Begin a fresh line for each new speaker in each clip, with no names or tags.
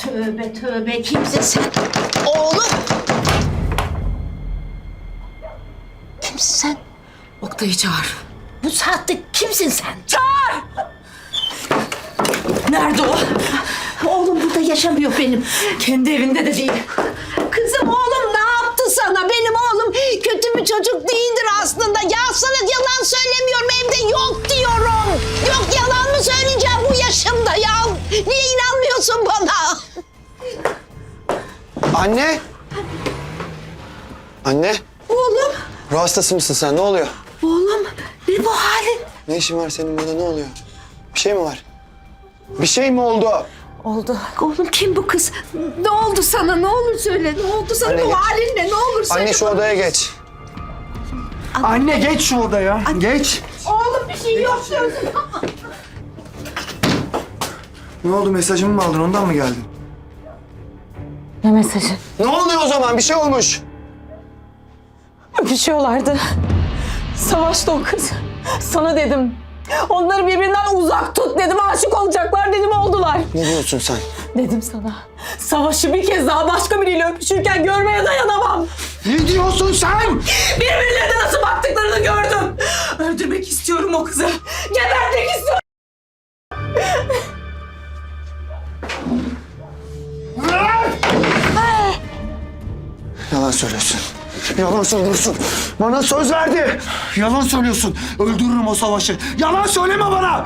Tövbe tövbe, kimsin sen? Oğlum! Kimsin sen?
Oktay'ı çağır.
Bu saatte kimsin sen?
Çağır! Nerede o?
Oğlum burada yaşamıyor benim.
Kendi evinde de değil.
Kızım oğlum ne yaptı sana? Benim oğlum kötü bir çocuk değildir aslında. Ya sana yalan söylemiyorum, evde yok diyorum. Yok, yalan mı söyleyeceğim bu yaşımda ya? Niye inanmıyorsun bana?
Anne! Anne!
Oğlum,
Ruh hastası mısın sen? Ne oluyor?
oğlum ne bu halin?
Ne işin var senin burada? Ne oluyor? Bir şey mi var? Bir şey mi oldu?
Oldu. Oğlum kim bu kız? Ne oldu sana? Ne olur söyle. Ne oldu sana?
Anne,
Bu
geç.
halin ne? Ne olur söyle.
Anne şu
bana.
odaya geç.
Anne geç şu odaya. Geç.
Oğlum bir şey yok diyorsun.
Ne oldu, mesajımı mı aldın, ondan mı geldin?
Ne mesajı?
Ne oluyor o zaman? Bir şey olmuş.
Öpüşüyorlardı. Savaşta o kız. Sana dedim. Onları birbirinden uzak tut dedim. Aşık olacaklar dedim, oldular.
Ne diyorsun sen?
Dedim sana. Savaşı bir kez daha başka biriyle öpüşürken görmeye dayanamam.
Ne diyorsun sen?
Birbirlerine nasıl baktıklarını gördüm. Öldürmek istiyorum o kızı. Gebertmek istiyorum.
Yalan söylüyorsun. Yalan söylüyorsun. Bana söz verdi.
Yalan söylüyorsun. Öldürürüm o savaşı. Yalan söyleme bana.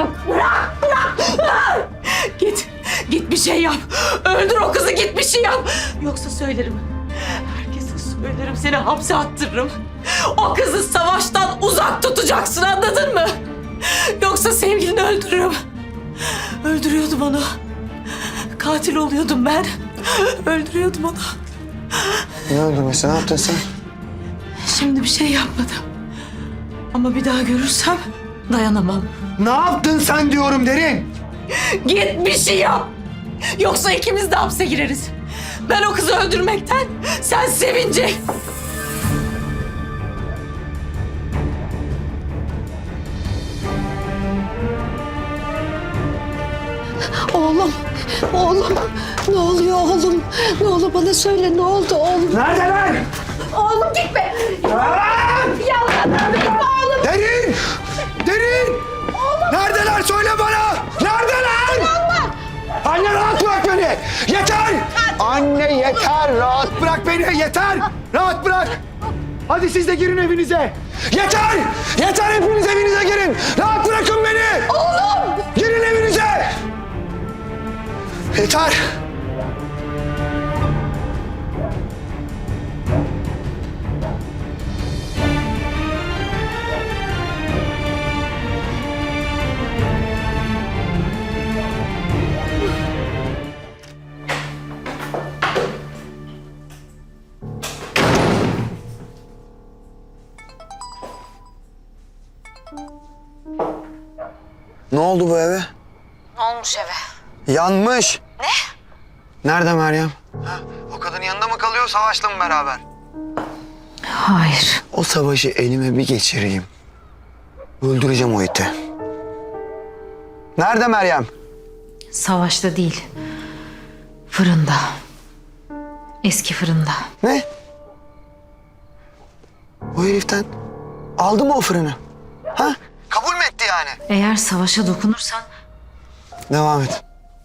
Git bir şey yap. Öldür o kızı, git bir şey yap. Yoksa söylerim. Herkese söylerim, seni hapse attırırım. O kızı savaştan uzak tutacaksın, anladın mı? Yoksa sevgilini öldürürüm. Öldürüyordum onu. Katil oluyordum ben. Öldürüyordum onu.
Ne öldürmesi? Ne yaptın sen?
Şimdi bir şey yapmadım. Ama bir daha görürsem dayanamam.
Ne yaptın sen diyorum Derin.
Git bir şey yap. Yoksa ikimiz de hapse gireriz. Ben o kızı öldürmekten, sen sevince.
Oğlum, oğlum. Ne oluyor oğlum? Ne olur bana söyle, ne oldu oğlum?
Neredeler?
Oğlum gitme. Yalan gitme oğlum.
Derin! Derin! Neredeler, söyle bana! Neredeler? Anne rahat bırak beni! Yeter! Anne yeter! Rahat bırak beni! Yeter! Rahat bırak! Hadi siz de girin evinize! Yeter! Yeter, hepiniz evinize girin! Rahat bırakın beni!
Oğlum.
Girin evinize! Yeter!
Ne oldu bu eve?
Ne olmuş eve?
Yanmış. Ne? Nerede Meryem? Ha, o kadın yanında mı kalıyor, Savaş'la mı beraber?
Hayır.
O savaşı elime bir geçireyim. Öldüreceğim o iti. Nerede Meryem?
Savaşta değil. Fırında. Eski fırında.
Ne? O heriften aldı mı o fırını? Ha? Kabul mü etti yani?
Eğer savaşa dokunursan
Devam et.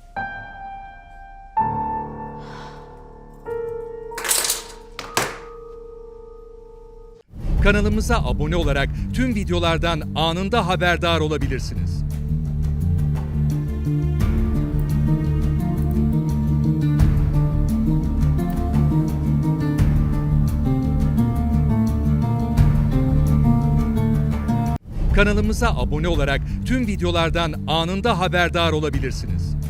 Kanalımıza abone olarak tüm videolardan anında haberdar olabilirsiniz. Kanalımıza abone olarak tüm videolardan anında haberdar olabilirsiniz.